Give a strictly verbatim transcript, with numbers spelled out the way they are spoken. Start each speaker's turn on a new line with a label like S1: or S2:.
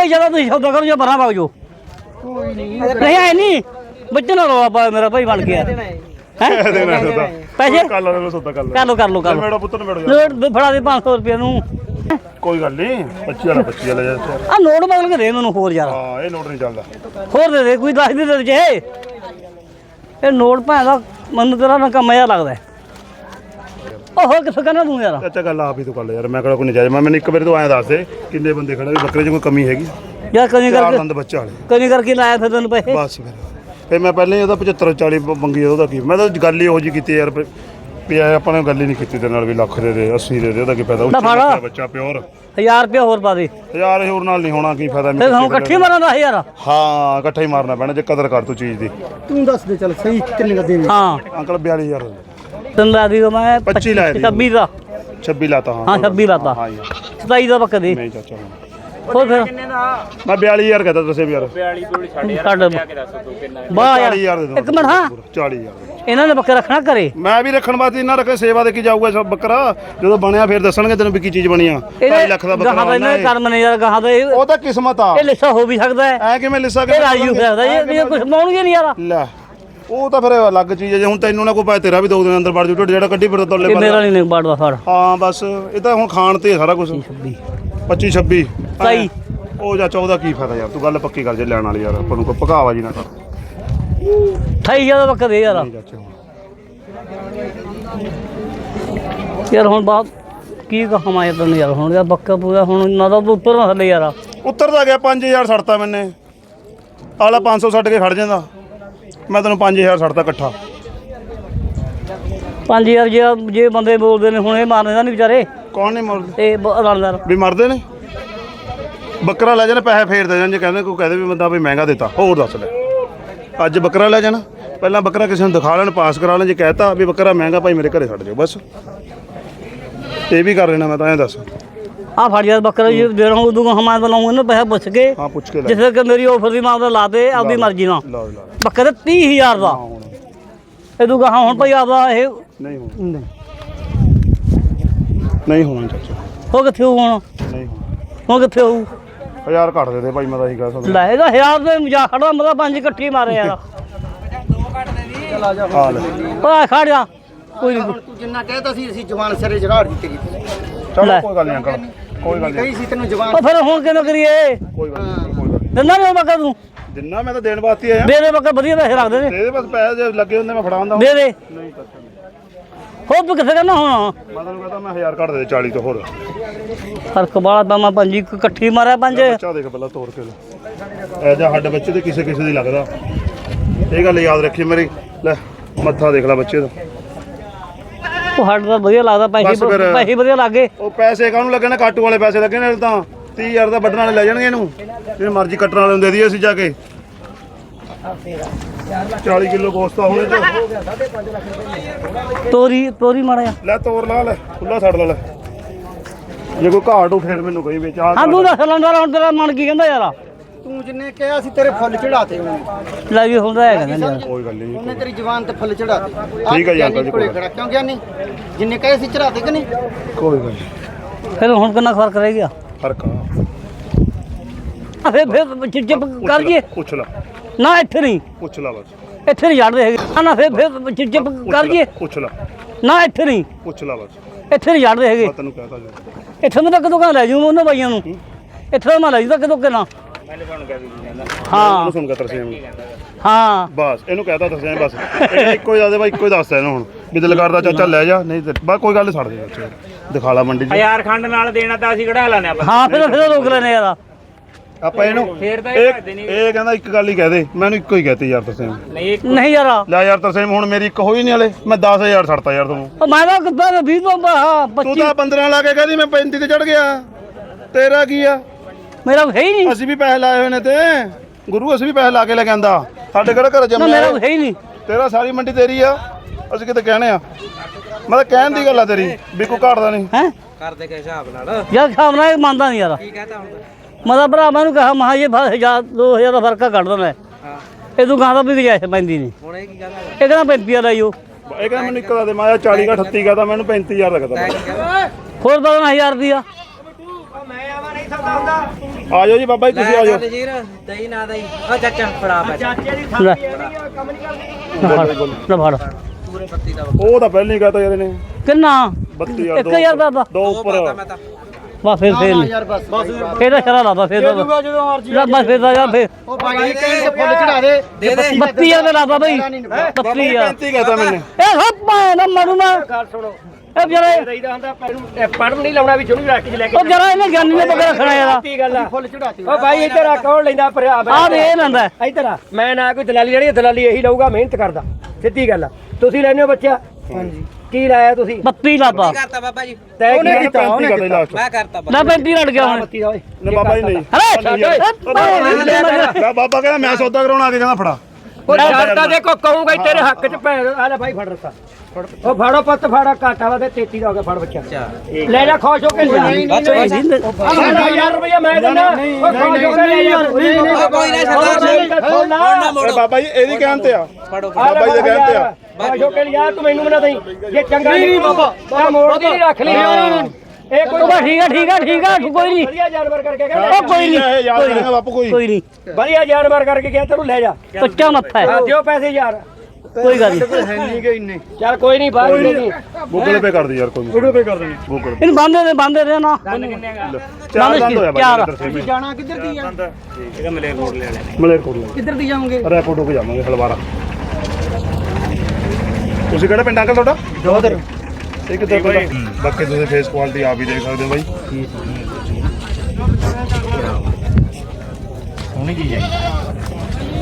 S1: भाई ज्यादा तुम सौदा करो जो बना भाग जो नहीं आए नहीं बच्चे ना रो मेरा भाई बन गया पैसे कर लो कर लो कर लो कर लो फड़ा दे पाँच सौ रुपये
S2: ਕੋਈ ਗੱਲ ਨਹੀਂ ਪੱਚੀ ਵਾਲਾ ਪੱਚੀ ਵਾਲਾ ਯਾਰ
S1: ਆ ਨੋਟ ਬਦਲ ਕੇ ਦੇ ਮੈਨੂੰ ਹੋਰ ਯਾਰ
S2: ਹਾਂ ਇਹ ਨੋਟ ਨਹੀਂ ਚੱਲਦਾ
S1: ਹੋਰ ਦੇ ਦੇ ਕੋਈ ਦੱਸ ਦੇ ਦੇ ਜੇ ਇਹ ਨੋਟ ਭਾਂ ਦਾ ਮੈਨੂੰ ਤੇਰਾ ਨਾ ਕੰਮ ਜਿਹਾ ਲੱਗਦਾ ਉਹ ਕਿੱਥੇ ਕਰਨਾ ਤੂੰ ਯਾਰ
S2: ਅੱਛਾ ਗੱਲ ਆਪ ਹੀ ਤੂੰ ਕਰ ਲੈ ਯਾਰ ਮੈਂ ਕਿਹੜਾ ਕੋਈ ਨਜਾਇਜ਼ ਮੈਂ ਮੈਨੂੰ ਇੱਕ ਵਾਰੀ ਤੋਂ ਆਇਆ ਦੱਸ ਦੇ ਕਿੰਨੇ ਬੰਦੇ ਖੜੇ ਵੀ ਬੱਕਰੇ 'ਚ ਕੋਈ ਕਮੀ ਹੈਗੀ
S1: ਯਾਰ ਕਨੀ ਕਰਕੇ
S2: ਆਨੰਦ ਬੱਚਾ ਵਾਲੇ
S1: ਕਨੀ ਕਰਕੇ ਲਾਇਆ ਫਿਰ ਤੈਨੂੰ ਪੈਸੇ
S2: ਬਸ ਫਿਰ ਫਿਰ ਮੈਂ ਪਹਿਲੇ ਉਹਦਾ ਪਝੱਤਰ ਚਾਲੀ ਮੰਗੀ ਉਹਦਾ ਕੀ ਮੈਂ ਤਾਂ ਗੱਲ ਹੀ ਉਹੋ ਜੀ ਕੀਤੀ ਯਾਰ ਵੀ ਆਪਾਂ ਨੇ ਗੱਲ ਹੀ ਨਹੀਂ ਕੀਤੀ ਤੇਰੇ ਨਾਲ ਵੀ ਲੱਖ ਦੇ ਦੇ ਅੱਸੀ ਦੇ ਦੇ ਉਹਦਾ ਕੀ ਫਾਇਦਾ ਉੱਚਾ ਬੱਚਾ ਪਿਓਰ
S1: ਹਜ਼ਾਰ ਰੁਪਏ ਹੋਰ ਪਾ ਦੇ
S2: ਯਾਰ ਹੋਰ ਨਾਲ ਨਹੀਂ ਹੋਣਾ ਕੀ ਫਾਇਦਾ
S1: ਫਿਰ ਹੁਣ ਇਕੱਠੀ ਮਾਰਾਂ ਦਸ ਹਜ਼ਾਰ
S2: ਹਾਂ ਇਕੱਠਾ ਹੀ ਮਾਰਨਾ ਪੈਣਾ ਜੇ ਕਦਰ ਕਰ ਤੂੰ ਚੀਜ਼ ਦੀ
S3: ਤੂੰ ਦੱਸ ਦੇ ਚੱਲ ਸਹੀ ਕਿੰਨੇ ਦਾ ਦੇਵੇਂ
S1: ਹਾਂ
S2: ਅੰਕਲ ਬਿਆਲੀ ਹਜ਼ਾਰ
S1: ਤੈਨੂੰ ਲਾ ਦੀ ਮੈਂ
S2: ਪੱਚੀ ਲਾਇਆ
S1: ਛੱਬੀ ਦਾ
S2: ਛੱਬੀ ਲਾਤਾ ਹਾਂ
S1: ਹਾਂ ਛੱਬੀ ਲਾਤਾ
S2: ਹਾਂ
S1: ਸਤਾਈ ਦਾ ਪੱਕਾ ਦੇ
S2: ਨਹੀਂ ਚਾਚਾ
S1: ਹੋਰ ਫਿਰ
S2: ਮੈਂ ਬਿਆਲੀ ਹਜ਼ਾਰ ਕਹਤਾ ਦੱਸੇ ਯਾਰ
S4: ਬਿਆਲੀ ਬੋਲੀ ਛੱਡ
S1: ਛੱਡ
S4: ਲਿਆ ਕੇ ਦੱਸ ਤੂੰ ਕਿੰਨਾ
S1: ਬਾਹ
S2: ਚਾਲੀ ਹਜ਼ਾਰ ਦੇ ਦੋ
S1: ਇੱਕ ਮਿੰਟ ਹਾਂ
S2: ਚਾਲੀ ਹਜ਼ਾਰ
S1: ਇਹਨਾਂ ਨੇ ਬੱਕਰਾ ਰੱਖਣਾ ਘਰੇ
S2: ਮੈਂ ਵੀ ਰੱਖਣ ਵਾਸਤੇ ਇਹਨਾਂ ਰੱਖੇ ਸੇਵਾ ਦੇ ਕੀ ਜਾਊਗਾ ਸਭ ਬੱਕਰਾ ਜਦੋਂ ਬਣਿਆ ਫਿਰ ਦੱਸਣਗੇ ਤੈਨੂੰ ਵੀ ਕੀ ਚੀਜ਼ ਬਣੀ ਆ ਢਾਈ ਲੱਖ ਦਾ ਬੱਕਰਾ
S1: ਗਾਹਾਂ ਦਾ ਕਰਮ ਨੇ ਯਾਰ ਗਾਹਾਂ ਦਾ ਇਹ
S2: ਉਹ ਤਾਂ ਕਿਸਮਤ ਆ
S1: ਇਹ ਲਿੱਸਾ ਹੋ ਵੀ ਸਕਦਾ ਹੈ
S2: ਐ ਕਿਵੇਂ ਲਿਸਾ
S1: ਇਹ ਰਾਜੀ ਹੋ ਸਕਦਾ ਇਹ ਕੁਝ ਮਾਉਣਗੇ ਨਹੀਂ ਯਾਰ
S2: ਲੈ ਉਹ ਤਾਂ ਫਿਰ ਅਲੱਗ ਚੀਜ਼ ਹੈ ਜੇ ਹੁਣ ਤੈਨੂੰ ਨਾ ਕੋਈ ਪਾਏ ਤੇਰਾ ਵੀ ਦੋ ਦਿਨ ਅੰਦਰ ਵੜ ਜੂ ਜਿਹੜਾ ਕੱਢੀ ਫਿਰ ਤੋਲੇ
S1: ਮੇਰਾ ਨਹੀਂ ਨੇ ਬਾੜਦਾ ਫੜ
S2: ਹਾਂ ਬਸ ਇਹ ਤਾਂ ਹੁਣ ਖਾਣ ਤੇ ਸਾਰਾ ਕੁਝ ਪੱਚੀ ਛੱਬੀ
S1: ਸਹੀ
S2: ਉਹ ਜਾਂ ਚੌਦਾਂ ਕੀ ਫਾਇਦਾ ਯਾਰ ਤੂੰ ਗੱਲ ਪੱਕੀ ਕਰ ਜੇ ਲੈਣ ਵਾਲੀ ਯਾਰ ਆਪਾਂ ਨੂੰ ਕੋਈ ਭਗਾਵਾ ਜੀ ਨਾ ਕਰ
S1: ਅਠਾਈ ਹਜ਼ਾਰ ਦਾ ਬੱਕਰਾ ਦੇ ਯਾਰ ਯਾਰ ਹੁਣ ਬਾਤ ਕੀ ਕਹਾਂ ਯਾਰ ਤੈਨੂੰ ਯਾਰ ਹੁਣ ਯਾਰ ਬੱਕਰਾ ਪੂਰਾ ਹੁਣ ਨਾ ਤਾਂ ਉੱਪਰ ਨਾ ਥੱਲੇ ਯਾਰ
S2: ਉੱਤਰ ਤਾਂ ਗਿਆ ਪੰਜ ਹਜ਼ਾਰ ਛੱਡਤਾ ਮੈਨੇ ਆਲਾ ਪੰਜ ਸੌ ਛੱਡ ਕੇ ਖੜ ਜਾਂਦਾ ਮੈਂ ਤੈਨੂੰ ਪੰਜ ਹਜ਼ਾਰ ਛੱਡਤਾ ਇਕੱਠਾ
S1: ਪੰਜ ਹਜ਼ਾਰ ਜੇ ਜੇ ਬੰਦੇ ਬੋਲਦੇ ਨੇ ਹੁਣ ਇਹ ਮਾਰਨੇ ਦਾ ਨਹੀਂ ਵਿਚਾਰੇ
S2: ਕੌਣ ਨਹੀਂ ਮਰਦੇ
S1: ਇਹ ਰਲਦਾਰ
S2: ਵੀ ਮਰਦੇ ਨੇ ਬੱਕਰਾ ਲੈ ਜਾਣਾ ਪੈਸੇ ਫੇਰ ਦੇ ਜਾਣ ਜੇ ਕਹਿੰਦੇ ਕੋਈ ਕਹਦੇ ਵੀ ਬੰਦਾ ਵੀ ਮਹਿੰਗਾ ਦਿੱਤਾ ਹੋਰ ਦੱਸ ਲੈ ਅੱਜ ਬੱਕਰਾ ਲੈ ਜਾਣਾ ਪਹਿਲਾਂ ਬੱਕਰਾ ਕਿਸੇ ਨੂੰ ਦਿਖਾ ਲੈਣ ਪਾਸ ਕਰਾ ਲੈਣ ਜੇ ਕਹਿਤਾ ਵੀ ਬੱਕਰਾ ਮਹਿੰਗਾ ਭਾਈ ਮੇਰੇ ਘਰੇ ਛੱਡ ਜਾਓ ਬਸ ਇਹ ਵੀ ਕਰ ਲੈਣਾ ਮੈਂ ਤਾਂ ਐਂ ਦੱਸ
S1: ਆ ਫੜ ਯਾਰ ਬੱਕਰਾ ਜੀ ਦੇ ਰਹਾ ਉਦੋਂ ਹਮਾਂ ਬਲਾਉਂਗਾ ਨਾ ਪੈਸਾ ਪੁੱਛ ਕੇ
S2: ਹਾਂ ਪੁੱਛ ਕੇ ਲੈ
S1: ਜਿਸ ਕਿ ਮੇਰੀ ਆਫਰ ਦੀ ਮਾਂ ਦਾ ਲਾ ਦੇ ਆਪਦੀ ਮਰਜ਼ੀ ਨਾਲ
S2: ਲਾ ਲਾ
S1: ਬੱਕਰੇ ਤੀਹ ਹਜ਼ਾਰ ਦਾ ਇਹ ਤੂੰ ਕਹਾਂ ਹੁਣ ਭਾਈ ਆਪਦਾ ਇਹ
S2: ਨਹੀਂ ਹੋਣਾ ਨਹੀਂ ਹੋਣਾ ਚਾਚਾ
S1: ਹੋ ਕਿੱਥੇ ਹੋਊ ਹੁਣ
S2: ਨਹੀਂ
S1: ਹੋ ਕਿੱਥੇ ਹੋਊ
S2: ਹਜ਼ਾਰ ਘੱਟ ਦੇ ਦੇ ਭਾਈ ਮੈਂ ਤਾਂ ਇਹੀ ਕਹਿ ਸਕਦਾ
S1: ਲੈ ਇਹਦਾ ਹਜ਼ਾਰ ਦੇ ਮਜ਼ਾਕ ਖੜਾ ਮਤਲਬ ਪੰਜ ਇਕੱਠੀ ਮਾਰੇ ਯਾਰ
S2: ਹਾਂ ਲੈ
S1: ਓਏ ਖੜ ਜਾ ਕੋਈ ਨਹੀਂ
S3: ਤੂੰ ਜਿੰਨਾ ਕਹਿਤਾ ਸੀ ਅਸੀਂ ਜਵਾਨ ਸਿਰੇ ਜਗਾੜ ਦਿੱਤੀ ਗਈ
S2: ਚਲੋ ਕੋਈ ਗੱਲ ਨਹੀਂ ਅੰਕਲ ਕੋਈ ਗੱਲ ਨਹੀਂ
S3: ਕਹੀ ਸੀ ਤੈਨੂੰ ਜਵਾਨ
S1: ਉਹ ਫਿਰ ਹੁਣ ਕਿਵੇਂ ਕਰੀਏ
S2: ਕੋਈ ਗੱਲ ਨਹੀਂ ਕੋਈ ਗੱਲ ਨਹੀਂ
S1: ਦਿੰਦਾ ਨਹੀਂ ਬੱਕਰਾ ਤੂੰ
S2: ਜਿੰਨਾ ਮੈਂ ਤਾਂ ਦੇਣ ਵਾਸਤੇ ਆਇਆ
S1: ਦੇ ਦੇ ਬੱਕਰਾ ਵਧੀਆ ਪੈਸੇ ਰੱਖਦੇ ਨੇ
S2: ਇਹਦੇ ਬਸ ਪੈਸੇ ਜੇ ਲੱਗੇ ਹੁੰਦੇ ਮੈਂ ਫੜਾਉਂਦਾ
S1: ਦੇ ਦੇ
S2: ਨਹੀਂ ਚਾਚਾ
S1: ਹੋਰ ਤੂੰ ਕਿੱਥੇ ਕਰਨਾ ਹੁਣ
S2: ਮੈਂ ਤੈਨੂੰ ਕਹਤਾ ਮੈਂ ਹਜ਼ਾਰ ਘੱਟ ਦੇ ਚਾਲੀ ਤੋਂ ਹੋਰ
S1: ਫਰਕ ਬਾਲਾ ਤਾਂ ਮੈਂ ਪੰਜੀ ਇਕੱਠੀ ਮਾਰਿਆ ਪੰਜ
S2: ਬੱਚਾ ਦੇਖ ਪਹਿਲਾਂ ਤੋੜ ਕੇ ਲੈ ਐ ਜਾਂ ਹੱਡ ਬੱਚੇ ਤੇ ਕਿਸੇ ਕਿਸੇ ਦੀ ਲੱਗਦਾ ਇਹ ਗੱਲ ਯਾਦ ਰੱਖੀ ਮੇਰੀ ਲੈ ਮੱਥਾ ਦੇਖ ਲੈ ਬੱਚੇ ਦਾ
S1: ਉਹ ਹੱਡ ਦਾ ਵਧੀਆ ਲੱਗਦਾ ਪੈਸੇ ਪੈਸੇ ਵਧੀਆ ਲੱਗੇ
S2: ਉਹ ਪੈਸੇ ਕਾਹਨੂੰ ਲੱਗੇ ਨੇ ਕਾਟੂ ਵਾਲੇ ਪੈਸੇ ਲੱਗੇ ਨੇ ਤਾਂ ਤੀਹ ਹਜ਼ਾਰ ਦਾ ਵੱਢਣ ਵਾਲੇ ਲੈ ਜਾਣਗੇ ਇਹਨੂੰ ਜੇ ਮਰਜ਼ੀ ਕੱਟਣ ਵਾਲੇ ਨੂੰ ਦੇ ਦਈਏ ਅਸੀਂ ਜਾ ਕੇ ਚਾਲੀ ਕਿਲੋ ਗੋਸ਼ਤ ਆ ਹੁਣੇ
S1: ਤੋਰੀ ਤੋਰੀ ਮਾਰਿਆ
S2: ਲੈ ਤੋਰ ਲਾ ਲੈ ਖੁੱਲਾ ਛੱਡ ਲੈ ਜੇ ਕੋਈ ਘਾਟ ਹੋ ਫਿਰ ਮੈਨੂੰ ਕਹੀ ਵਿੱਚ ਆ
S1: ਹਾਂ ਤੂੰ ਦੱਸ ਲੰਦਾ ਹੁਣ ਤੇਰਾ ਮਨ ਕੀ ਕਹਿੰਦਾ ਯਾਰ
S3: ਤੂੰ ਜਿੰਨੇ ਕਿਹਾ ਸੀ ਤੇਰੇ ਫੁੱਲ ਚੜਾਤੇ ਉਹਨੇ
S1: ਲੈ ਵੀ ਹੁੰਦਾ ਹੈ ਕਹਿੰਦਾ ਯਾਰ
S2: ਕੋਈ ਗੱਲ ਨਹੀਂ
S3: ਉਹਨੇ ਤੇਰੀ ਜਵਾਨ ਤੇ ਫੁੱਲ ਚੜਾਤੇ
S2: ਠੀਕ ਹੈ ਜੀ ਅੰਕਲ ਜੀ,
S3: ਕੋਲੇ ਖੜਾ ਕਿਉਂ ਗਿਆ ਨਹੀਂ ਜਿੰਨੇ ਕਹੇ ਸੀ ਚੜਾਤੇ ਕਿ ਨਹੀਂ
S2: ਕੋਈ ਗੱਲ ਨਹੀਂ
S1: ਫਿਰ ਹੁਣ ਕਿੰਨਾ ਫਰਕ ਰਹਿ ਗਿਆ
S2: ਫਰਕ ਆ
S1: ਆ ਫਿਰ ਫਿਰ ਚਿਪ ਚਿਪ ਕਰ ਜੀਏ
S2: ਪੁੱਛ ਲੈ
S1: ਨਾ ਇੱਥੇ ਨਹੀਂ
S2: ਪੁੱਛ ਲੈ ਬਸ
S1: ਇੱਥੇ ਨਹੀਂ ਛੱਡਦੇ ਹੈਗੇ ਆ ਨਾ ਫਿਰ ਫਿਰ ਚਿਪ ਚਿਪ ਕਰ ਜੀਏ
S2: ਪੁੱਛ ਲੈ
S1: ਨਾ ਇੱਥੇ ਨਹੀਂ
S2: ਪੁੱਛ ਲੈ ਬਸ
S1: ਇੱਥੇ ਨਹੀਂ ਛੱਡਦੇ ਹੈਗੇ
S2: ਮੈਂ ਤੈਨੂੰ ਕਹਤਾ ਜੀ
S1: ਇੱਥੇ ਮੈਂ ਤਾਂ ਕਦੋਂ ਕਾ ਲੈ ਜੂ ਉਹਨਾਂ ਬਾਈਆਂ ਨੂੰ ਇੱਥੇ ਮੈਂ ਲੈ ਜੂ ਤਾਂ ਕਦੋਂ ਕਿਨਾ ਹਾਂ
S2: ਉਹਨੂੰ ਸੁਣ ਕੇ ਤਰਸੇਮ
S1: ਹਾਂ
S2: ਬਸ ਇਹਨੂੰ ਕਹਤਾ ਤਰਸੇਮ ਬਸ ਇਹ ਇੱਕੋ ਹੀ ਦੱਸਦੇ ਬਾਈ ਇੱਕੋ ਹੀ ਦੱਸਦਾ ਇਹਨੂੰ ਹੁਣ ਵੀ ਦਿਲ ਕਰਦਾ ਚਾਚਾ ਲੈ ਜਾ ਨਹੀਂ ਤੇ ਬਸ ਕੋਈ ਗੱਲ ਨਹੀਂ ਛੱਡ ਦੇ ਬੱਚੇ ਦਿਖਾ ਲਾ ਮੰਡੀ 'ਚ
S4: ਹਜ਼ਾਰ ਖੰਡ ਨਾਲ ਦੇਣਾ ਤਾਂ ਅਸੀਂ ਕਢਾ ਲਾਣੇ ਆਪਾਂ
S1: ਹਾਂ ਫਿਰ ਫਿਰ ਰੋਕ ਲੈਣੇ ਯਾਰ
S2: ਆਪਾਂ ਇਹਨੂੰ
S4: ਫੇਰ ਤਾਂ
S2: ਇਹ
S4: ਇਹ ਭੱਜਦੇ ਨਹੀਂ
S2: ਇਹ ਕਹਿੰਦਾ ਇੱਕ ਗੱਲ ਹੀ ਕਹਿ ਦੇ ਮੈਨੂੰ ਇੱਕੋ ਹੀ ਕਹਤੀ ਯਾਰ ਤਰਸੇਮ
S4: ਨਹੀਂ
S1: ਨਹੀਂ ਯਾਰ
S2: ਲੈ ਯਾਰ ਤਰਸੇਮ ਹੁਣ ਮੇਰੀ ਇੱਕ ਹੋਈ ਨਹੀਂ ਹਲੇ ਮੈਂ ਦਸ ਹਜ਼ਾਰ ਛੱਡਤਾ ਯਾਰ ਤੁਹਾਨੂੰ
S1: ਉਹ ਮੈਂ ਤਾਂ ਕਿੱਦਾਂ ਵੀਹ ਤੋਂ ਹਾਂ
S2: ਤੂੰ
S1: ਪੱਚੀ
S2: ਤਾਂ ਪੰਦਰਾਂ ਲਾ ਕੇ ਕਹਿੰਦੀ ਮੈਂ ਪੈਂਤੀ ਤੇ ਚੜ ਗਿਆ ਤੇਰਾ ਕੀ ਆ
S1: ਮੇਰਾ ਹੈ ਹੀ ਨਹੀਂ
S2: ਅਸੀਂ ਵੀ ਪੈਸੇ ਲਾਏ ਹੋਏ ਨੇ ਤੇ ਗੁਰੂ ਅਸੀਂ ਵੀ ਪੈਸੇ ਲਾ ਕੇ ਲੈ ਕੇ ਆਂਦਾ ਸਾਡੇ ਕਿਹੜਾ ਘਰ
S1: ਨਾ
S2: ਜੰਮਿਆ
S1: ਮੇਰਾ ਹੈ ਹੀ ਨਹੀਂ
S2: ਤੇਰਾ ਸਾਰੀ ਮੰਡੀ ਤੇਰੀ ਆ ਅਸੀਂ ਕਿਤੇ ਕਹਿਣੇ ਆ ਮੈਂ ਤਾਂ ਕਹਿਣ ਦੀ ਗੱਲ ਆ ਤੇਰੀ ਵੀ ਕੋਈ ਘਾਟਦਾ ਨਹੀਂ
S1: ਹੈ
S4: ਕਰਦੇ ਕੇ ਹਿਸਾਬ ਨਾਲ
S1: ਯਾਰ ਹਿਸਾਬ ਨਾਲ ਇਹ ਮੰਨਦਾ ਨਹੀਂ ਯਾਰ
S4: ਕੀ ਕਹਤਾ ਹੁਣ
S1: ਮੈਂ ਤਾਂ ਭਰਾ ਮੈਨੂੰ ਕਹਾ ਮਹਾ ਇਹ ਹਜ਼ਾਰ ਦੋ ਹਜ਼ਾਰ ਦਾ ਫਰਕ ਕੱਢ ਦਿੰਦਾ
S4: ਹਾਂ
S1: ਇਹ ਤੂੰ ਕਹਾਂ ਤਾਂ ਵੀ ਗੁਜਾਇਸ਼ ਪੈਂਦੀ ਨਹੀਂ
S4: ਹੁਣ ਇਹ ਕੀ ਗੱਲ
S1: ਇਹ ਕਹਿੰਦਾ ਪੈਂਤੀ ਵਾਲਾ ਉਹ
S2: ਇਹ ਕਹਿੰਦਾ ਮੈਨੂੰ ਇੱਕ ਦਾ ਦੇ ਮੈਂ ਚਾਲੀ ਦਾ ਅਠੱਤੀ ਦਾ ਤਾਂ ਮੈਨੂੰ ਪੈਂਤੀ ਹਜ਼ਾਰ ਦਾ ਕਹਤਾ
S1: ਹੋਰ ਤਾਂ ਹਜ਼ਾਰ ਦੀ ਆ
S2: ਆ ਜਾਓ ਜੀ ਬਾਬਾ ਜੀ ਤੁਸੀਂ ਆ ਜਾਓ
S4: ਨਜ਼ੀਰ ਦਈ ਨਾ ਦਈ ਉਹ ਚਾਚਾ ਫੜਾ ਪੈ
S1: ਲੈ ਫੜ ਲੈ ਫੜ
S4: ਪੂਰੇ ਪੱਤੀ ਦਾ
S2: ਉਹ ਤਾਂ ਪਹਿਲਾਂ ਹੀ ਕਹਤਾ ਯਾਰ ਇਹਨੇ
S1: ਕਿੰਨਾ
S2: ਬੱਤੀ ਯਾਰ
S1: ਇੱਕ ਹਜ਼ਾਰ ਦਾ ਦਾ
S2: ਦੋ ਉੱਪਰ
S4: ਮੈਂ ਤਾਂ
S1: ਬਸ ਫਿਰ ਫੇਰ ਨਹੀਂ
S3: ਯਾਰ ਬਸ ਬਸ
S1: ਫੇਰ ਤਾਂ ਸ਼ਰਾ ਲਾਦਾ ਫੇਰ ਤਾਂ
S3: ਦੂਗਾ ਜਦੋਂ ਮਰਜੀ
S1: ਲੈ ਬਸ ਫੇਰ ਤਾਂ ਯਾਰ ਫੇਰ
S3: ਉਹ ਭਾਈ ਕਹਿੰਦੇ ਫੁੱਲ ਚੜਾ ਦੇ
S4: ਦੇ ਦੇ
S1: ਬੱਤੀ ਹਜ਼ਾਰ ਦਾ ਲਾਦਾ ਬਈ
S2: ਬਾਬਾ
S1: ਬੱਤੀ
S2: ਜੀ
S1: ਹਜ਼ਾਰ
S2: ਪੈਂਤੀ ਕਹਤਾ ਮੈਨੇ
S1: ਇਹ ਸਭ ਮੈਂ ਨਾ ਮਰੂ ਮੈਂ
S3: ਗੱਲ ਸੁਣੋ
S1: ਇਹ ਜਰਾ
S3: ਦਈਦਾ ਹੁੰਦਾ ਪੈਰੂ ਪੜਨ ਨਹੀਂ ਲਾਉਣਾ ਵੀ ਚੁਣੀ ਰੱਖ ਕੇ ਲੈ ਕੇ
S1: ਉਹ ਜਰਾ ਇਹਨੇ ਗਿਆਨੀ ਨੇ ਬੱਕਰਾ ਰੱਖਣਾ ਯਾਰ
S3: ਕੀ ਗੱਲ ਆ ਫੁੱਲ ਚੜਾਤੀ ਉਹ ਭਾਈ ਇੱਧਰ ਆ ਕੌਣ ਲੈਂਦਾ ਪਰ ਆ
S1: ਆ ਦੇ ਇਹ ਲੈਂਦਾ
S3: ਇੱਧਰ ਆ ਮੈਂ ਨਾ ਕੋਈ ਦਲਾਲੀ ਜਿਹੜੀ ਦਲਾਲੀ ਇਹੀ ਲਊਗਾ ਮਿਹਨਤ ਕਰਦਾ ਸਿੱਧੀ ਗੱਲ ਆ ਤੁਸੀਂ ਲੈਣੇ ਹੋ ਬੱਚਾ ਹਾਂਜੀ ਕੀ ਲਾਇਆ ਤੁਸੀਂ
S1: ਬੱਤੀ ਲਾਦਾ
S4: ਕਰਤਾ ਬਾਬਾ ਜੀ
S3: ਤੈਅ
S2: ਉਹਨੇ
S3: ਕੀਤਾ
S2: ਪੈਂਤੀ ਕਹਤਾ ਲਾਸਟ
S4: ਮੈਂ ਕਰਤਾ
S1: ਲੈ ਪੈਂਤੀ ਲੜ ਗਿਆ ਹੁਣ
S3: ਬੱਤੀ ਦਾ ਓਏ
S2: ਨੇ ਬਾਬਾ ਜੀ ਨਹੀਂ
S1: ਅਰੇ
S2: ਲੈ ਬਾਬਾ ਕਹਿੰਦਾ ਮੈਂ ਸੌਦਾ ਕਰਾਉਣ ਆ ਕੇ ਕਹਿੰਦਾ ਫੜਾ
S3: ਉਹ ਡਰਦਾ ਦੇਖੋ ਕਹੂੰਗਾ ਤੇਰੇ ਹੱਕ ਚ ਭੈਣ ਆ ਲੈ ਭਾਈ ਫੜ ਰਸਾ ਉਹ ਫੜੋ ਪੁੱਤ ਫੜਾ ਘਾਟਾ ਵਾ ਤੇ ਤੇਤੀ ਦਾ ਹੋ ਗਿਆ ਫੜ ਬੱਚਾ ਲੈ ਜਾ ਖੁਸ਼ ਹੋ ਕੇ ਲੈ ਹਜ਼ਾਰ ਰੁਪਇਆ ਮੈਂ ਦਿੰਦਾ ਉਹ ਖੁਸ਼ ਹੋ ਕੇ ਲੈ ਜਾ
S4: ਕੋਈ ਨਾ ਸਰਦਾਰ
S2: ਏ ਬਾਬਾ ਜੀ ਇਹਦੀ ਕਹਿਣ ਤੇ ਆ
S4: ਫੜੋ
S2: ਬਾਬਾ ਜੀ ਦੇ ਕਹਿਣ ਤੇ ਆ
S3: ਖੁਸ਼ ਹੋ ਕੇ ਲਿਆ ਤੂੰ ਮੈਨੂੰ ਬਣਾ ਦਈ ਜੇ ਚੰਗਾ ਨਹੀਂ ਬਾਬਾ ਮੈਂ ਮੋੜ ਦੀ ਰੱਖ ਲਈ ਇਹ ਕੋਈ
S1: ਉਹ ਬਸ ਠੀਕ ਆ ਠੀਕ ਆ ਠੀਕ ਆ ਕੋਈ ਨਹੀਂ
S3: ਵਧੀਆ ਜਾਨਵਰ ਕਰਕੇ ਕਹਿੰਦਾ
S1: ਉਹ ਕੋਈ ਨਹੀਂ
S2: ਇਹ ਯਾਦ ਰੱਖਣਾ ਬਾਪੂ ਕੋਈ
S1: ਕੋਈ ਨਹੀਂ
S3: ਵਧੀਆ ਜਾਨਵਰ ਕਰਕੇ ਗਿਆ ਤੈਨੂੰ ਲੈ ਜਾ
S1: ਕੱਚਾ ਮੱਥਾ ਹੈ
S3: ਆ ਦਿਓ ਪੈਸੇ ਯਾਰ
S1: ਕੋਈ ਗੱਲ ਨਹੀਂ
S3: ਹੈ ਨਹੀਂ ਗਏ ਇੰਨੇ ਚੱਲ ਕੋਈ ਨਹੀਂ ਬਾਹਰ ਨਹੀਂ
S2: ਗੂਗਲ ਪੇ ਕਰ ਦੇ ਯਾਰ ਕੋਈ ਗੂਗਲ ਪੇ ਕਰ ਦੇ ਗੂਗਲ
S1: ਇਹਨੂੰ ਬੰਦੇ ਦੇ ਬੰਦੇ ਦੇ ਨਾ
S2: ਚਾਰ ਦੰਦ ਹੋਇਆ ਬਾਈ
S1: ਚਾਰ।
S2: ਇੱਧਰ ਸੇ
S3: ਜਾਣਾ ਕਿੱਧਰ ਦੀ ਆ
S4: ਇਹਦਾ ਮਲੇ ਕੋਟ ਲੈ ਲੈਣੇ
S2: ਮਲੇਰ ਕੋਲ
S3: ਕਿੱਧਰ ਦੀ ਜਾਓਗੇ
S2: ਰੈਪੋਰਟ ਹੋ ਕੇ ਜਾਵਾਂਗੇ ਹਲਵਾਰਾ ਤੁਸੀਂ ਕਿਹੜਾ ਪਿੰਡ ਅੰਕਲ ਤੁਹਾਡਾ
S3: ਜੋਧਰ
S2: ਇਹ ਕਿੱਧਰ ਪਤਾ ਬਾਕੀ ਤੁਸੀਂ ਫੇਸ ਕੁਆਲਿਟੀ ਆਪ ਹੀ ਦੇਖ ਸਕਦੇ ਹੋ ਬਾਈ
S4: ਸੋਹਣੀ ਚੀਜ਼ ਹੈ